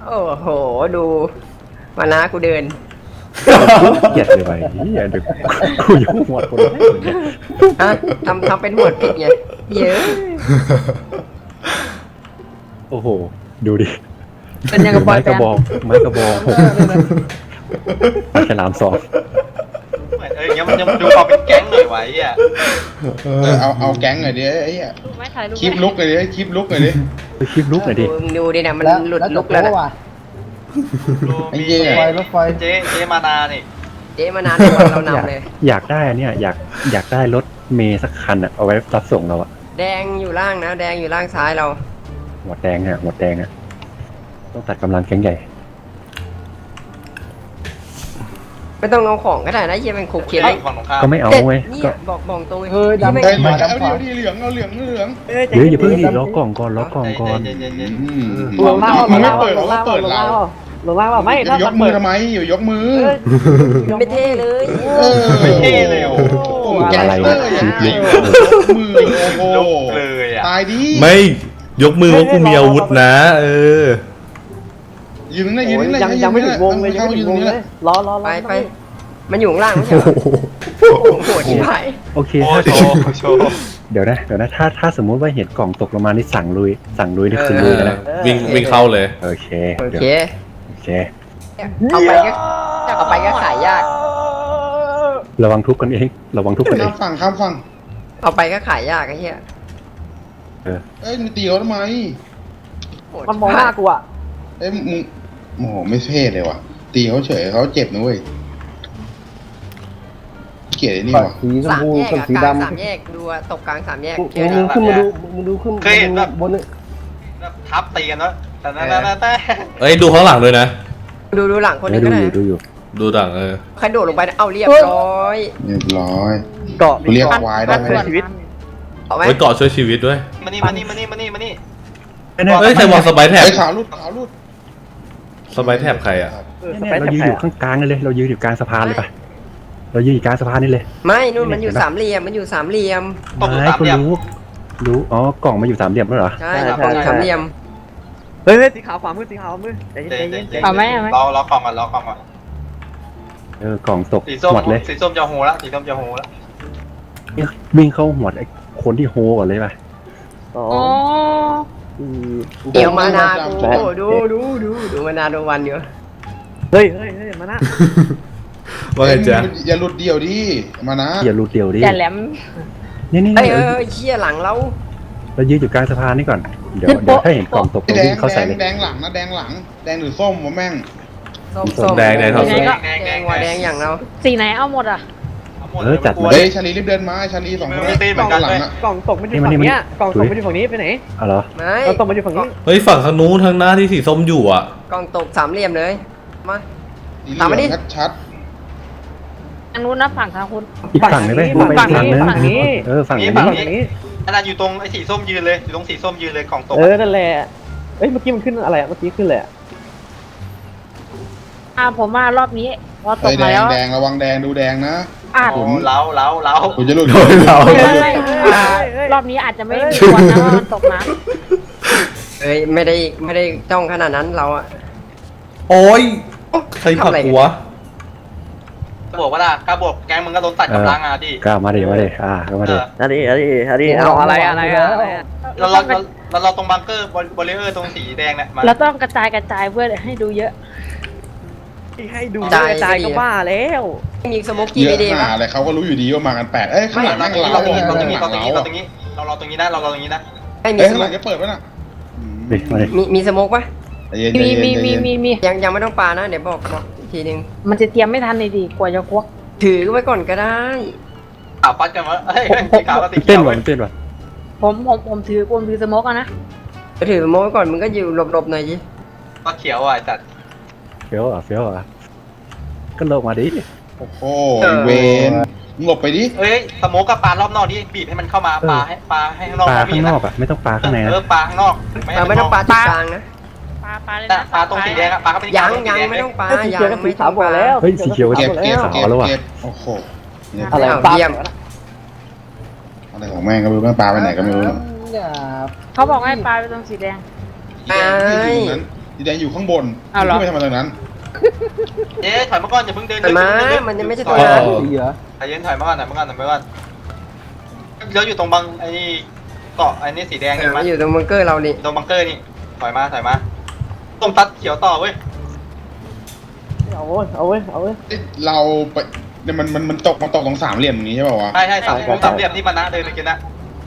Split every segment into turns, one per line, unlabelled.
โอ้โหดูมานะกูเดิน
เกลียดเลยไปอย่าดึกกูยุ่งหมดคนแรกเลยเนี่ย
ฮะทำเป็นหมวดผิดไงเยอะ
โอ้โหดูดิ
เป็นยังกับปล่
ไม้
อยแฟ
กระ
น
บอกไม้กระบอกปลาฉลามสอง
เหมือนอย่างเงี้ยมันยังดูความเป็นแก๊งหน่อยไว้อ่ะ
เอาแก๊งหน่อยดิไอ้เหี้ย
รูปไหมถ่ายรูป
คลิปลุกหน่อยดิคลิปลุกหน่อยดิ
ไปคลิปลุกหน่อยดิ
มึงดูดินะมันหลุดลุกแล้วนะ
ดู
ไอ้
มี
เหี้ย
เจ๊มานานี่
เจ๊มานานกว่าเรานำเลย
อยากได้อันเนี่ยอยากได้รถเมย์สักคันอะเอาไว้รับส่งเราอะ
แดงอยู่ล่างนะแดงอยู่ล่างซ้ายเรา
หมวดแดงอะหมวดแดงอะต้องตัดกำลังแข็งใหญ่
ไม่ต้องเอาของก็ได้นะเฮียเป็นขบเขียน
ฝั่งตรงข้าม
ก็ไม่เอา
แต่
เว้ย
เนี่
ก็
ยบอกตรง
เฮ้ยดำ
ไม่
เฮ้ยมาเอาดิเหลืองเอาเหลืองเหลือง
เดี๋ยวอย่าเพิ่งดิล็อกกล่องก่อนล็อกกล่องก่อน
เย็น
ลงล่าง
มัน
ล
ไม่
ง
เปิด
ล่าง
เขาเปิด
ลง
เรา
ล่างลงล่างเปล่าไม่ถ้าย
กมือทำไมอยู่ยกมือ
ไม่เท่เลย
ไม่เท่เลยโอ้โห
แก
อะไร
เตอ
เนี่ย
ร์ยังไงมือโอ้โห
ลุกเลยอ่ะ
ตายดิ
ไม่ยกมือว่ากูมีอาวุธนะ
ยืนนั่นยืนนั่น
ยังไม่ถึงวงเลยยังไม่ถึงวงเลยรอ
ไปมันอยู่ข้างล่างไม่ใช่เหรอโอ้โหที่ไหน
โอเค
โอ้
ถ้า
โชว์โชว์
เดี๋ยวนะถ้าสมมุติว่าเห็นกล่องตกลงมานี่สั่งลุยนี่คือลุยแล้วนะ
วิ่งเข้าเลย
โอเค
โอ
เดี๋ยว
เค
โอเค
เอาไปก็ขายยาก
ระวังทุบกันเองระวังทุบกันเอ
ข้าง
ง
ฝั่งข้ามฝั่ง
เอาไปก็ขายยากไอ้เหี้ย
เอ้ยมึงตีเขาทำไม
โหด
มันมองหน้ากูอ่ะ
เอ้ยมึงโอ้โหไม่เท่เลยว่ะตีเขาเฉยเขาเจ็บนะเว้ยเกลียดไอ้นี่ว่ะ
สีชม
สาม
พู
แยก
กับ
อะ
สี
กลาง
ดำ
สามแยกดูอะตกกลางสามแยก
มึงขึ้นมาดูมึงดูขึ้นบนนี่
ทับตีกันเนาะแต่
เอ้ยดูข้างหลังด้วยนะ
ดูหลังคนนึง
ดู
ก็
อ
ได้
ยู่ดูอยู่
ดูหลัง
ใครโดดลงไปเอาเรียบร้อย
เรียบร้อย
เกาะ
เรียกควายได้ไหม
ชีวิต
เอาไหม
ไว้เกาะช่วยชีวิตด้วย
มานี่
เฮ้ยใครวางสไปร์แท็บ
ไอ้ขาวรุดขาวรุด
สไปร์แท็บใครอ่ะ
เนี่ยเรายืนอยู่ข้างกลางเลยเรายืนอยู่กลางสะพานเลยปะเรายืนอยู่กลางสะพานนี่เลย
ไม่นู่นมันอยู่สามเหลี่ยมมันอยู่สามเหลี่ยม
ไม่คุณรู้อ๋อกล่องมาอยู่สามเหลี่ยมแล้วเหรอ
ใช่กล่องอยู่สามเหลี่ยม
เฮ้ยสีขาวขวามือสีขาวมือใจเย็นเอาไหม
ล็อกกล่องก่อนล็อกกล่องก่อน
กล่องตก
สีส้ม
หมดเลย
สีส้มจะโหละสีส้มจะโหละ
วิ่งเข้าหัวไอ้คนที่โฮก่อนเลยปะ
อ๋อ
เดี๋ยวมานากูดูมานาโดนวันอยู่
เฮ้ยมานะ
ว่าไงจ๊ะ
อย่าหลุดเดี่ยวดิมานะ
อย่าหลุดเดี่ยวดิ
อย่าแหลม
นี่
เอ้ยเชี่ยหลังเรา
เรายืนอยู่กลางสะพานนี่ก่อนเดี๋ยวถ้าเห็นกล่องตกเรา
แด
วิ่
ง
งเข้าใส่เลย
แดงหลังนะแดงหลังแดงหรือส้มวะแม่ง
ส้ม
แดงครับ
แดงว่าแดงอย่างเรา
สีไหนเอาหมดอ่ะ
จัดมา
เฮ้ยชาลีรีบเดินมาชาลีสองคนหลังอ่ะ
กล่องตกมันอยู่ฝั่งนี้กล่องตกมันอยู่ฝั่งนี้ไปไหน
อ๋อเหรอ
ไม่
กล่องตกมันอยู่ฝั่งนี้
เฮ้ยฝั่งข้างนู้นทางหน้าที่สีส้มอยู่อ่ะ
กล่องตกสามเหลี่ยมเลยมา
สีเหลืองชัด
ทางนู้นนะฝั่งทางคุณ
อีกฝั่งเลยไหมไปอีกฝั่งนึง
ฝั่งนี้
ฝั่งนี้
ฝั่งนี้
อันนั้นอยู่ตรงไอ้สีส้มยืนเลยอยู่ตรงสีส้มยืนเลยกล่องตก
นั่นแหละเอ้ยเมื่อกี้มันขึ้นอะไรเมื่อกี้ขึ้นเลยผมว่ารอบนี้พอ
ๆ
ตก
แด
มางแล้ว
แดงระวังแดงดูแดงนะ
อาจ
โอ้เล้า
คุณจะหลุด
รอบนี้อาจจะไม่มีคนนะว่าตกน้
เอ้ยไม่ได้จ้องขนาดนั้นเราอะ
โอ้ยใครผลักหัว
บวกว่าล่ะกล้าบวกแกงมึงก็โดนตัดกำลังอ่ะดิ
ก็มาดิก็มาดิ
ำอันนี้เอาอะไร
เราตรงบังเกอร์บริเออร์ตรงสีแดงเนี่ย
เราต้องกระจายเพื่อให้ดูเยอะให้ดูกระจายก็บ้าแล้ว
มีสโมกกี้
เย
ไม่
อะ
ดี
ห
ป่ะ
นาอะไรเขาก็รู้อยู่ดีว่ามากันแปดเอ้ยข้างหลังนั่งเรา
เราตรงนี้
ข้างหลัง
เราตรงนี้
เรา
เราตรงนี้เราตรงนี้นะเราตรงนี้นะ
ไม่มี
เอ้ย
ส
ข้าง
โม
หลั
ก
งจะเปิดป่ะน่ะ
ดิมาดิ
มีสโมกป่ะ
มี
ยังไม่ต้องปานะเดี๋ยวบอกอีกทีนึง
มันจะเตรียมไม่ทันเลยดิกว่าจะควัก
ถือไว้ก่อนก็ได้
ขาวฟัดกันวะเฮ้ยสีขาวกับสีเขี
เต้
ย
น
ว
ว่ะเต้นว่ะ
ผมถือสโมกนะ
ถือสโมกไว้ก่อนมึงก็อยู่หลบๆหน่อยสิ
ก็เขียวอ่ะจัด
เฟี้ยวก็ลงมาดิ
โอ้โหเวนหลบไปดิ
เฮ้ยสโมกกับปลารอบนอกนี่บีบให้มันเข้ามาปลาให้ข้างนอก
ปลาข้างนอกอ่ะไม่ต้องปลาข้างในนะ
ปลาข้างนอก
เราไม่ต้องปาจุดกลางนะ
ปลาเลย
แต่
นะ
ปลาตรงสีแดงอะปลาก็เป็น
ยังไม่ต้องปายังไม่ต้องปา
เฮ้ยสีเขียวก็
เก็บเก็บ
ขาว
เก็บ
แล้วว่ะ
เก็บโอ้โห
อะไรเยี่ยม
อะไรของแม่งก็ไม่รู้แม่งปลาไปไหนก็ไม่รู้
เขาบอกให้ปลาไปตรงสีแดง
ที่อยู่ตรงนั้นสีแดงอยู่ข้างบน
เอาเหรอ
ขึ้นไปทำไมตรงนั้น
เจ๊ถอยมาก่อนอย่าเพิ่งเดิน
มันมา
เดิ
มันยังไม่ใช่
ถ
ตั
อ
วย นั้น
สีเหรอ
ใจเย็นถอยมาก่อนถอยมาก่อนถอยมาก่อนแล้วอยู่ตรงบังไอ้นี่เกาะไอ้นี่สีแดง
เอ
เห็
อน
ไหม
มันอยู่ตรงบังเกอร์เรานี่
ตรงบังเกอร์นี่ถอยมาต้มตัดเขียวต่อเว้ย
เอาเว้ยเอาเว้ยเอาเว้ย
เอ๊ะเราไปเนี่ยมันตกตรงสามเหลี่ยมอย่างนี้ใช่ป่าวะ
ใช่สามเหลี่ยมที่มันนะเดินไปกินนะ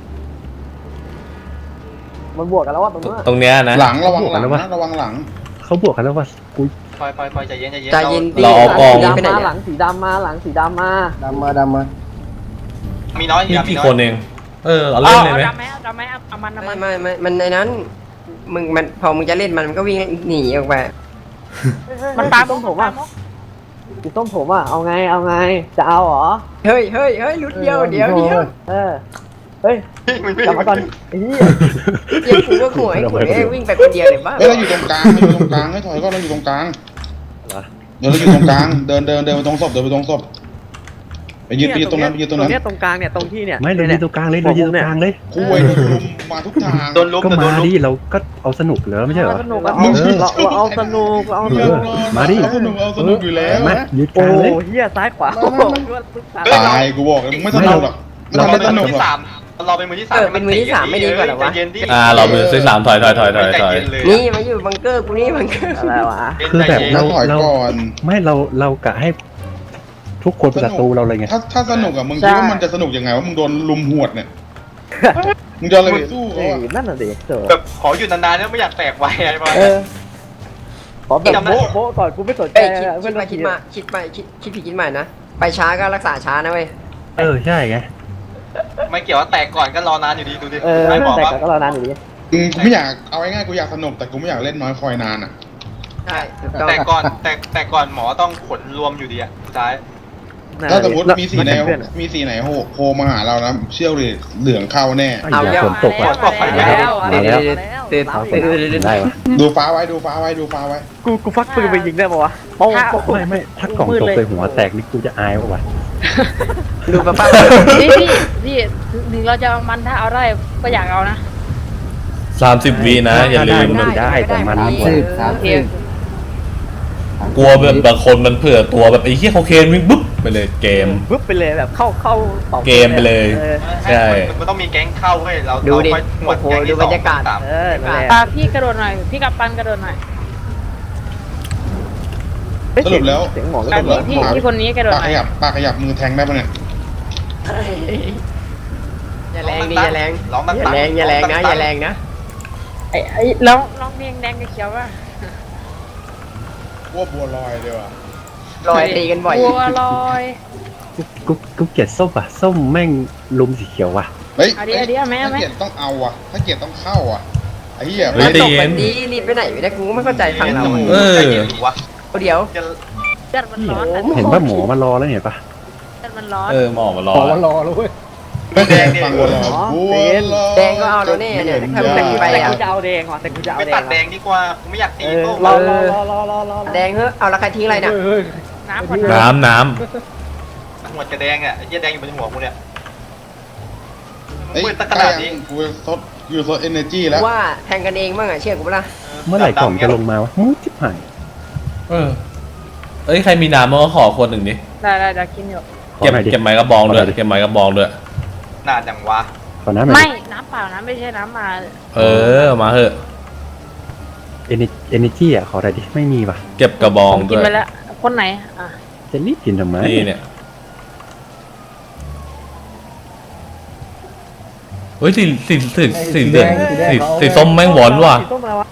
มันบวกกันแล้วว่าตรงนู้น
ตรงเนี้ยนะ
หลังระวังหลังนะระวังหลัง
เขาบวกกันแล้วว่ากู
ปล่อยใจเย็น
ใจเย็น
เราเอากอง
ไปไหน
มาห
เนี่
ลั
ย
งสีดำมาหลังสีดำมา
ดำมา
มีน้อย
มี
มี
กี่
น้อย
คนเอง เอาเล่นเลยไหม
ดำไหมดำไหมเอามัน
ไม่มันในนั้นมันพอมึงจะเล่นมันก็วิ่งหนีออกไป
มันปา
ต้มผมอ่ะสีส้มผมอ่ะเอาไงจะเอาเหรอ
เฮ้ยลุ้นเดียวเดี๋ยว
เฮ้ย
มันไม่
กลับมาก่อนไอ้เหี้ย
เดี๋ยวกูก็หัวไอ้กูเนี่ยวิ่งไปคนเดียวเลยบ้า
เฮ้ยเราอยู่ตรงกลางให้ถอยก็เราอยู่ตรงกลางเดี๋ยวเราอยู่ตรงกลางเดินไปตรงศพไปยืนตรงนั้น
เนี่ยตรงกลางเนี่ยตรงที่เนี่ย
ไม่เรายืนตรงกลางเลยเรายืนตรงกลางเลย
คุยโดนลุมมาทุกทาง
โดนลุก
ก็
โด
มาน
ลุก
ดิเราก็เอาสนุกเลยไม่ใช่เหรอ
สนุกเราเอาสนุกเราเอาสนุก
มาดิ
เอาสนุกอยู่แล้ว
มายืนก
โอ้
ลางเลย
เฮียซ้ายขวา
ตายกูบอกเลยมึงไม่สนุกหรอกไม่
เรา
ทำ
เป็น
ให้ส
มื
นุ
อก ที่
หรอก
สามเราเป็นมือที่สาม
เป็นมือที่สามไม่ดีกว่าหรอวะ
เรามือที่สามถอย
นี่มาอยู่บังเกอร์กูนี่บังเกอร์
อะไรวะ
คือแบบ
เราถอยก่อน
ไม่เรากะให้ทุกคนเป็นศัตรูเราเลยไง
ถ้าสนุกอะมึงคิดว่ามันจะสนุกยังไงว่ามึงโดนลุมหวดเนี่ยมึงจะอะไรไปสู้เขาอะ
นั่นน่ะดิเจ๋อ
แบบขออยู่นานๆแล้วไม่อยากแตกไวอะไรประมาณ
เอ
นั้น
อขอแบบโบ๊ะก่อนกูไม่สนใจ
เอ้ยคิดผิดคิดใหม่นะไปช้าก็รักษาช้านะเว้ย
ใช่ไง
ไม่เกี่ยวว่าแตกก่อนก็รอนานอยู่ดีดูดิ
เออ
ไม่บอก
แต่
ว่า
ก็รอนานอยู่ดี
กูไม่อยากเอาง่ายๆกูอยากสนุกแต่กูไม่อยากเล่นน้อยคอยนานอะ
ใช่ถูกต้อง
แต่ก่อนแต่ก่อนหมอต้องขนรวมอยู่ดีอะสุดท้าย
ถ้าสมมติมีสีไหนโผล่มาหาเรานะเชี่ยวเลยเหลืองเข้าแน่
เอาอย่าฝนตกว่ะ ได้วะ
ดูฟ้าไว้
กูฟักปืนไปยิงได้ปะวะโป้ง
ไม่ถ้ากล่องตกใส่หัวแตกนี่กูจะอายว่ะ
ดูป้า
พี่ถึงเราจะเอามันถ้าเอาได้ก็อยากเอานะ
30 วินะอย่าลืม
ได้แต่มัน
โอเค
กลัวแบบบางคนมันเผื่อตัวแบบไอ้เหี้ยโคเคนวิ่งบุ๊บไปเลยเกม
ปึ๊บไปเลยแบบเข้าต่อ
เกมไปเลย ใช่
มันต้องมีแก๊งเข้าเว้ยเรา
ดูดิ
ค่อยหม
โอ้
ด
โห
แก๊ง
ดู
ที่
บรรยากาศ
สอง
นั่นแหละ
ปาพี่กระโดดหน่อย พี่กับปันกระโดดหน่อย
สรุปแล้ว
เสียงหมอ
ปาพี่คนนี้กระโดด
ปาก
หน่อย
ปากขยับมือแทงได้ปะเนี่ย
อย่าแรงดิอย่าแรง
ร้องมัน
อย่าแรงอย่าแรงนะอย่าแรงนะ
ไอ้ร้องเพลงแดงกับเขียวว่ะ
ว่าบัวลอยเลยว่ะ
ลอยตีกันบ่อย
บัวลอย
กูเกลียดส้มอ่ะส้มแม่งลุมสีเขียวว่ะ
เฮ้ย
เอาดิเอาดิเอาไหม
ถ้า
เอาไหม
เกียรต้องเอาอ่ะถ้าเกียรต้องเข้าอ่ะไอ้เหี้ย
เฮ้ย
ตกแบบนี้รีบไปไหนไม่ได้กูไม่เข้าใจฝั่งเรา
ใจเย็นวะ
เดี๋ยว
เลือดมันร้อน
เห็นว่าหมอมารอแล้วเห็นปะ
เลือดมันร้อน
หมอมารอ
ขอมารอแล้วเว้ย
ไม่แดงฟังบัวลอยบัวลอย
แดงก็เอาแล้วเนี่ยเนี่ยถ้ามึงแต่งไป
แต่
อ่ะ
กูจะเอาแดงว่ะแต่กูจะเอา
ไม่
แด
ตั
ง
ดแดงดีกว่ากูไม่อยากตี
เออ
โต้
รอ
แดงเฮ้ยเอาแล้วใครทิ้งอะไรเนี่ย
เฮ้ย
น้ำก่อน
น้
หัวจะแดงอ่ะไอ้เหี้ยแดงอยู่บนหัวกูเนี่ย
เฮ้ย
มืดตั้ง
ใก
ข
ล้
นาด
ยัง
นี้
กูซดเอเนอร์จีแล้ว
ว่าแทงกันเองบ้างอ่ะเชื่อกูปะล่ะ
เมื่อไหร่กล่องจะลงมาวะมืดชิบหาย
ำเอ้ยใครมีน้ำมันก็ขอคนหนึ่งดิ
ได้กินอยู่
ขอ
เก็บ
หน่อยดิ
เก็บไม้กระบองด้วยเก็บไม้กระบองด้วย
นานจังวะ
ขอน้ำหน่อย
ไม่
ดิ
น้ำเปล่านะไม่ใช่น้ำมา
มาเหอะ
เอเนจีอ่ะขอหน่อยดิไม่มีว่ะ
เก็บกระบอ
ผ
ง
ม
ด้
กิน
วย
ไปแล้ว คนไหนอ่ะ
จะรีบกินทำไม
นี่เนี่ยเฮ้ยสีเหลืองสีส้มแม่งหวานว่ะ
ต้มอะไรวะ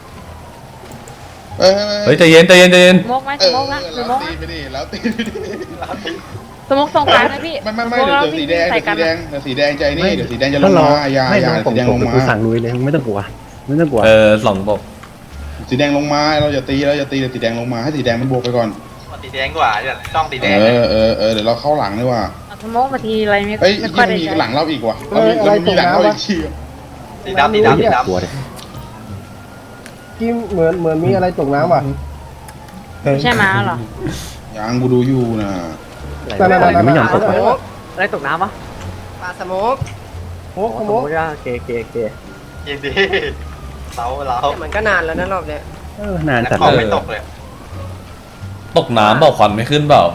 เฮ้ยใจเย็น
สโมกไหมสโมกนะสโมก
ตีไปดิแล้วตีไปดิ
สโมกส่งกลางนะพี่
ไม่เดี๋ยวสีแดงเดี๋ยวสีแดงใจนี่เดี๋ยวสีแดงจะล
ถ้าง รอ
มาอย่า
ไม่
อย่าร
อกล่อง
สีแดง
ต
ล
ก
ง
เดี๋ยว
มา
กูสั่งลุยเลยไม่ต้องกลัวไม่ต้องกลัว
สองตก
สีแดงลงมาเราจะตีเราจะตีเดี๋ยวสีแดงลงมาให้สีแดงมันบวกไปก่อน
ตีแดงกว่าจะจ้องตีแดง
เดี๋ยวเราเข้าหลังดีกว่า
สโมกมาทีอะไรไม่
เฮ้ย
ไม่ค่อยได้
มี
ใช้
หลังเราอีกว่ะเรามีหลังเราอีกที
ตีดำตี
อย่า
ดำตีดำ
กลัวเลย
กิมเหมือนมีอะไรตกน้ำว่ะ
ไม่ใช่ม้าหรอ
ยังกูดูอยู่นะ
ไม่ยอมตก
ส
ไป
โมก
อะไรตกน้ำวะ
ปลาสโมก
โอ้โห
โอ้ยเก
ยินดีเรา
มันก็นานแล้วนะรอบเนี้ย
นาน
แต่
จัด
ของ
เล
ไม่
ย
ตกเลย
ตกน้ำเปล่าควันไม่ขึ้นเปล่า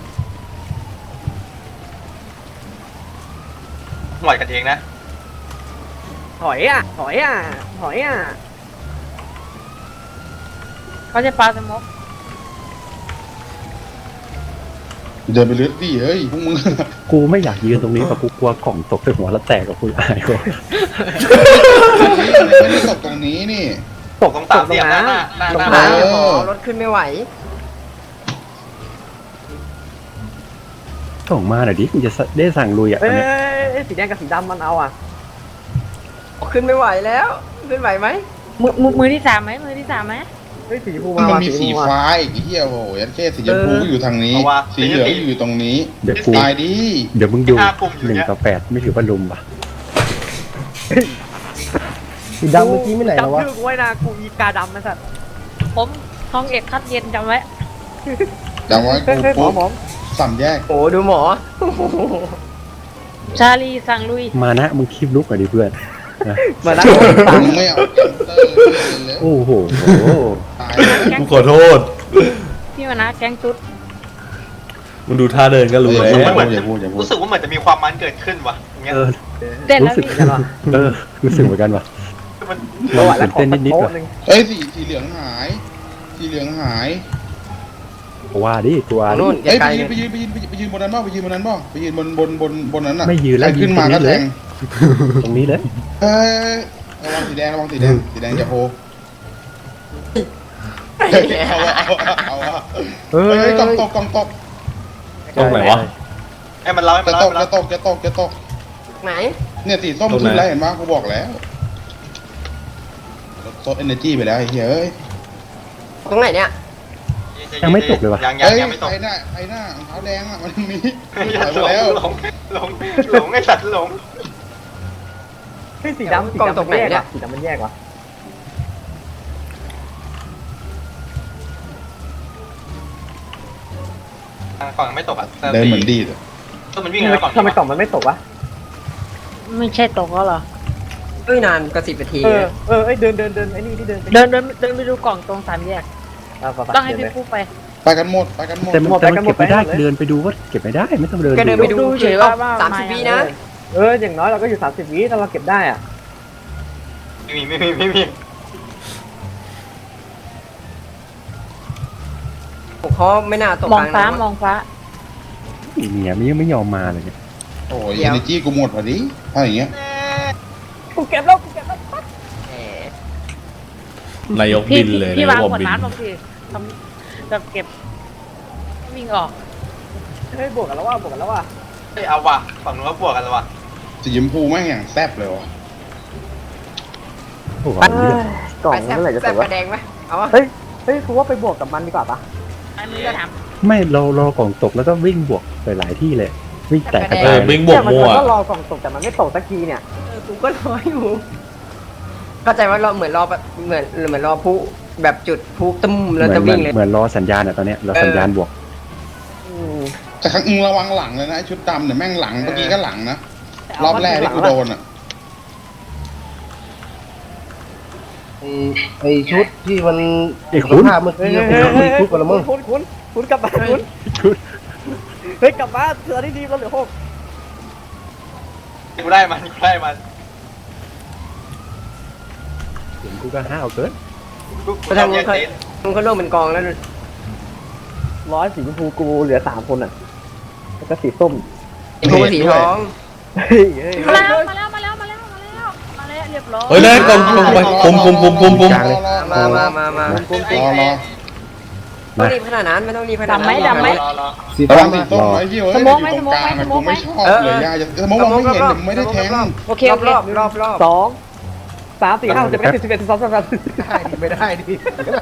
หน่อยกันเองนะ
ถอยอ่ะถอยอ่ะถอยอ่ะ
เขาจะปาสมก
เดินไปเลือดดิเฮ้ยพวกมึง
กูไม่อยากยืนตรงนี้แต่กูกลัวกล่องตกใส่หัวแล้วแตกกับกูอายกู
ไม่ได้ตกตรงนี้นี่
ตกตรงสามเหลี่ยมหน้าหน้า
ลง
หน้า
น้ำ
เออ
พอรถขึ้นไม่ไหว
ส่งมาหน่อยดิกูจะได้สั่งลุยอ่ะต
เอ้
อนเนี้ย
ยสีแดงกับสีดำมันเอาอ่ะ
ขึ้นไม่ไหวแล้ว ขึ้นไหวไหม
มือที่สามไหมมือที่สามไหม
เฮ้ยสีชมพู
มั
มาน ว่ะ
มีสี
ชมพู
ฟ้าอีกไอ้เหี้ยโอ้โหยันเช่สีชมพูก็อยู่ทางนี้ สีเหลืองอยู่ตรงนี้
เดี๋ยวกู
ตายดิ
เดี๋ยวมึงดู
ห้ากลุ่มอยู่เนี่ย
1-8ไม่ถือว่าลุมป่ะ
สีดำเมื่อกี้ไม่ไหนแล้ววะจำชื่อกูไว้นะกูอีกาดำนะสัตว์
ผมห้องเอกคัดเย็นจำไว้
จำไว้
เฮ้ย
กู
เฮ้ยหมอ
ปุ๊บ
หมอ
สามแยก
โอ้ดูหมอ
ชาลีสั่งลุย
มานะมึงคลิปลุกหน่อยดิเพื่อนนะ
มาแล้ว
มึงไม่เอาแกนเตอร์เลย
โอ้โห
ตายแล้ว
กูขอโทษ
พี่มานะแก๊งตุ๊ด
มึงดูท่าเดินก็รู้
อย่า
แล้ว
พูดอย่าพูดอย่าพูด
รู้สึกว่าเหมือนจะมีความมันเกิดขึ้นว่ะอย่างเงี้ย
เออ
เต้นแล้
รู้
ว
สึก
พี่
รู้สึกเหมือนกันว่ะ
มัน
ประวัติแล้วขอ
เต้น
สัก
นิดๆ
โต๊ะ
ว่ะ
หนึ่ง
เอ้ยสีเหลืองหาย สีเหลืองหาย
ว่าดิกูว่าดิ
นู่น
เอ้ย
ไกล
ไปยืนบนนั้นบ้างไปยืนบนนั้นบ้างไปยืนบนนั้นน่ะ
ไม่ยืนแล้ว
ใครขึ้นมา
ยืนตรงนี้
ก็
เล
แท
ย
ง
ตรงนี้เลย
เอ้ยระวังสีแดงสีแดงจะโผล่เอาเฮ้ยกล่องตก
ตรงไหนวะ
ให้มันเล่าให้มัน
จะ
เล่า
ต
ให้
ก
มันเล่า
จะตก
ไหน
เนี่ยสีส้มขึ้นแล้วเห็นไหมกูบอกแล้วโซดเอเนจีไปแล้วไอ้เหี้ยเอ้ย
ตรงไหนเนี่ย
ยังไม่ตกเลยวะ
ยัง
เอ้ย
ไม่ตก
ไอ้หน้ารองเท้าแดงอ่ะมันมี
ห
ถอยมาแล้ว
ลงไอ้สัตว์หลง
เฮ้ยสีดำมันแยกว่ะสีดำมันแยกว่ะ
ฝั่งไม่ตกอ่ะ
เดินเหมือนดีด
ก็มันวิ่งแล้วฝั่ง
ทำไมกล่องมันไม่ตกวะ
ไม่ใช่ตกแล้วเหรอ
เอ้ยนานก็10 นาที
เอ้ยเดินไอ้นี่ที่เดิน
เดินไปดูกล่องตรงสามแยกต้องให้พี่ปุ๊ไป
ไปกันหมด
แต่มันเก็บไม่ได้เดินไปดูก็เก็บไม่ได้ไม่ต้องเดิน
ก็เดินไปดู
เฉยๆว่า
30 วินะ
อย่างน้อยเราก็อยู่30 วิถ้าเราเก็บได้อ่ะ
ไม่มี
เขาไม่น่าตก
มอง
กล
ฟ้า
น้ำ
มองฟ้า
เนี่ยมันยังไม่ยอมมาเลยเนี่ย
โอ้ยเอเนจีกูหมดพอดีถ้าอย่างเงี้ย
กูเก็บแล้ว
แหม
นายก
พี่
บินเลย
พี่
นายว
าง
ก
ขวด
บิน
น้ำลงสิทำแบบเก็บวิ่งออก
เฮ้ยบวกกันแล้วว่ะ
เอาว่ะฝั่งนู้นก็บวกกันแล้วว่ะ
สีชมพูแม่งอย่างแซ่บเลยว่ะ
โอ้โห
กล่อง
ไปแซ่บ
เมื่อไหร่จะ
แซ่
ต
บ
ก
ก
วะ
ระแดงไหมเอาวะ
เฮ้ยกูว่าไปบวกกับมันดีกว่าปะ
อันนี้ก็ถาม
ไม่เรากล่องตกแล้วก็วิ่งบวกไปหลายที่เลยวิ่งแตกกระ
เอ
จา
อย วิ่งบวก
มัน
มั่ว
ก็รอกล่องตกแต่มันไม่ตกสักทีเนี่ย
กูก็รออยู่เข้าใจว่าเราเหมือนรอแบบเหมือนรอผู้แบบจุดผู้ตึ้มแล้วจะวิ่งเลย
เหมือนรอสัญญาณอ่ะตอนเนี้ยรอสัญญาณบวก
แต่ครั้งระวังหลังเลยนะชุดดำเนี่ยแม่งหลังเมื่อกี้ก็หลังนะรอบแรกที่กูโดนอ่ะ
ไอชุดที่มัน
ไอ้คุณ
ภาพเมื่อกี้คุดกันละมึงคุณกลับมาคุณเฮ้ยกลับมาเสือที่ดีเราเหลือ6
กูได้มัน
เสียงกูก็ห้าวเกิน
ไปทางนู้นมันก็ร่วมเป็นกองแล้ว
100สีชมพูกูเหลือ3คนอ่ะแล้วก็สีส้ม
สีทองสีทอง
เฮ้ย
มาแล้วเรียบร้อย
เฮ้ยนั่นกองไปคุม
กลางเลย
มา
รอ
ไม่ต้องรีบขนาดนั้นไม่ต้องรีบขนาดนั้น
รอ
ระวังสีส้มไอ้เหี้ยเอ้ยอยู่ตรงกลางอะกูไม่ชอบเลยย่าจะสมองมองไม่เห็นไม่ได้แทง
โอเค
รอบ
2 3 4 5 6 7 8 10 11 12 13ไม่ได้ดิ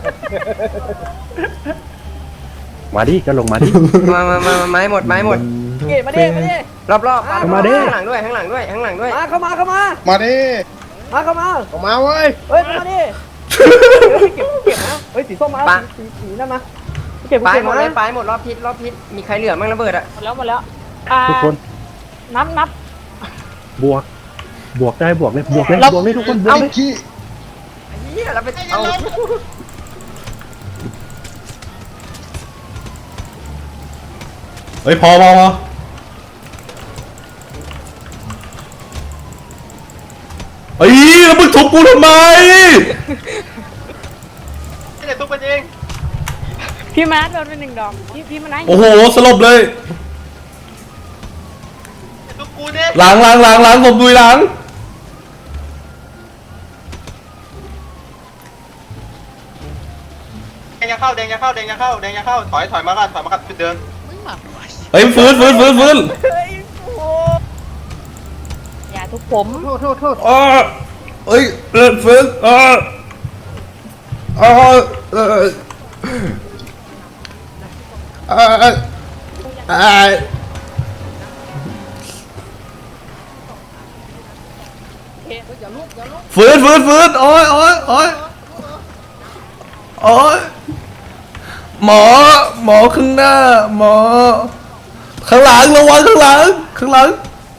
มาดิก็ลงมาดิ
มาไม้หมด
มาดิ
รอบข้างหลังด้วยมา
เข้ามา
มาดิ
เว้ยเฮ้ยมาดิเก็บนะเฮ้ยสีส้มมาสีนั่นมาเก็บ
ไปหมดเลยไปหมดรอบทิศมีใครเหลือมั่งระเบิดอ่ะ
หมดแล้ว
ทุกคน
นับบ
วกได้บวกเลยทุกคนบวกเลย
เอาขี้
เฮียเราไปเอา
เฮ้ยพอเฮ้ยแล้วมึงทุบกูทำไม
ไม่ได้ทุบมันเอง
พี่มาร์ทโดนไป1 ดอกพี่มาร์ท
โอ้โหสลบเลย
ทุบกูเนี่ย
หลังผมดุยหลัง
แดงยังเข้าถอยมากันเดิน
เฮ้ยฟื้น
อย่าทุบผม
โทษ
อ๋อเฮ้ยเลิกฟื้นฟื้นโอ้ยหมอข้างหน้าหมอข้างหลังระวังข้างหลัง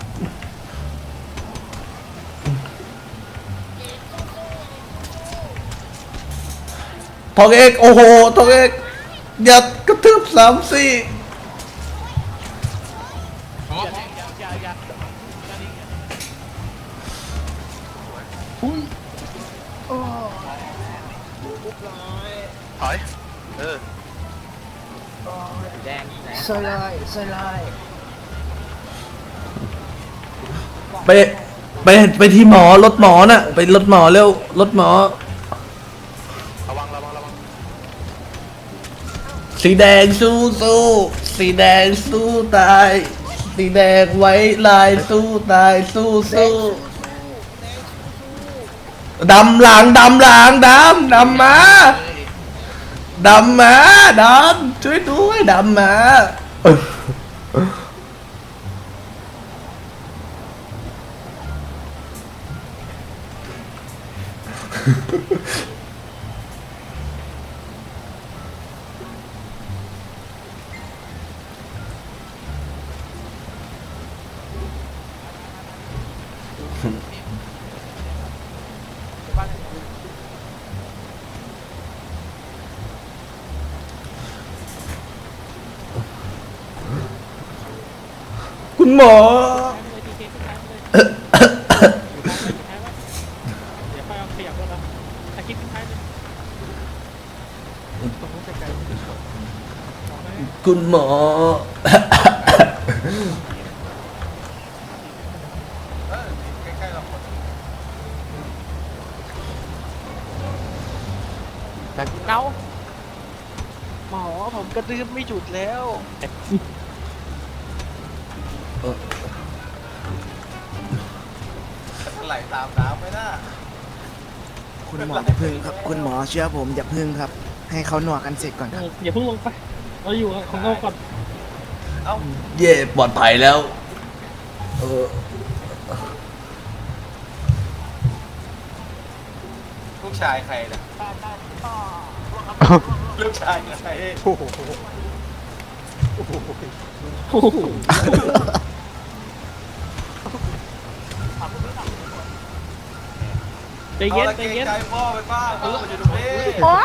ทองเอกโอ้โหทองเอกอย่ากระทืบ3-4ไปที่หมอรถหมอน่ะไปรถหมอเร็วรถหมอระวังสีแดงสู้สีแดงสู้ตายสีแดงไว้ลายสู้ตายสู้ดำหลังดำมาช่วยด้วยดำมาคุณหมอคุณหมอ
เอาหมอผมกระตือไม่หยุดแล้ว
ไหลตามน้ำไม่น่า
คุณหมออย่าพึ่งครับคุณหมอเชื่อผมอย่าพึ่งครับ ให้เขาหนวกกันเสร็จก่อนครับ
อย่าเพิ่งลงไปเราอยู่ของเราก่อน
เย่ปลอดภัยแล้ว
ลูกชายใครเนี่ยลูกชายใคร
ใจเย็น
ใจพ่อไปบ้างพ่ออยู่ตรงนี้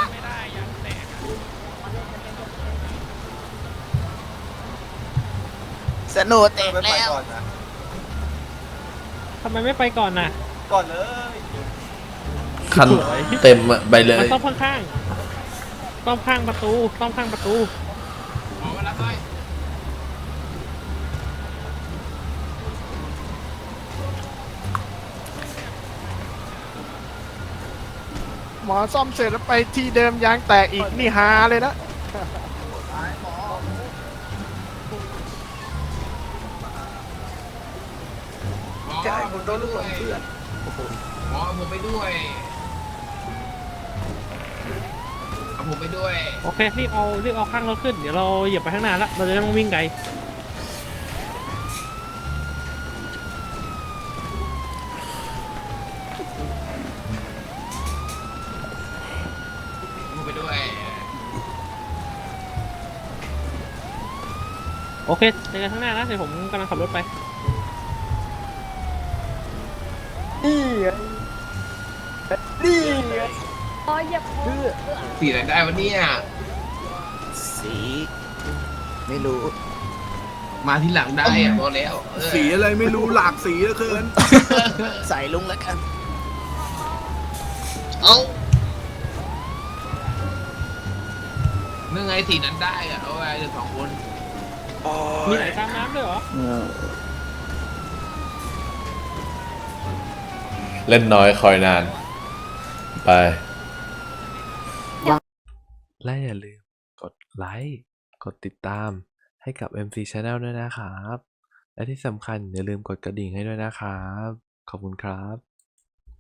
สนุกเตะ
ไม่ไป
แล้ว
ก่อนนะ
ทำไมไม่ไปก่อนน่ะ
ก่อนเลย
คันเต็มอะไปเลย
มันต้องข้างประตู
หมอซ่อมเสร็จแล้วไปที่เดิมยางแตกอีกนี่ฮาเลยนะ
ใช่ผมโดนลูกหลงเพื่อน
หมอผมไปด้วยเอาผมไปด้วย
โอเครีบเอาข้างรถขึ้นเดี๋ยวเราเหยียบไปข้างหน้าแล้วเราจะได้ไม่ต้องวิ่งไกล
ผมไปด้วย
โอเคเจอกันข้างหน้านะเดี๋ยวผมกำลังขับรถไป
อ๋อเหยียบผม
สีอะไรได้วะเนี่ย
สีไม่รู้
มาที่หลังได้อะบอกแล้วเออ
สีอะไรไม่รู้หลากสีเหลือเกิน ใส่ลุงแล้วกัน
เอาเมื่อไงสีนั้นได้อะเอาไว้เดี๋ยว2 คน
มีไหนตามน้ำด้วยเหรอ
เล่นน้อยคอยนาน ไป
และอย่าลืมกดไลค์กดติดตามให้กับ MC Channel ด้วยนะครับ และที่สำคัญอย่าลืมกดกระดิ่งให้ด้วยนะครับ ขอบคุณครับ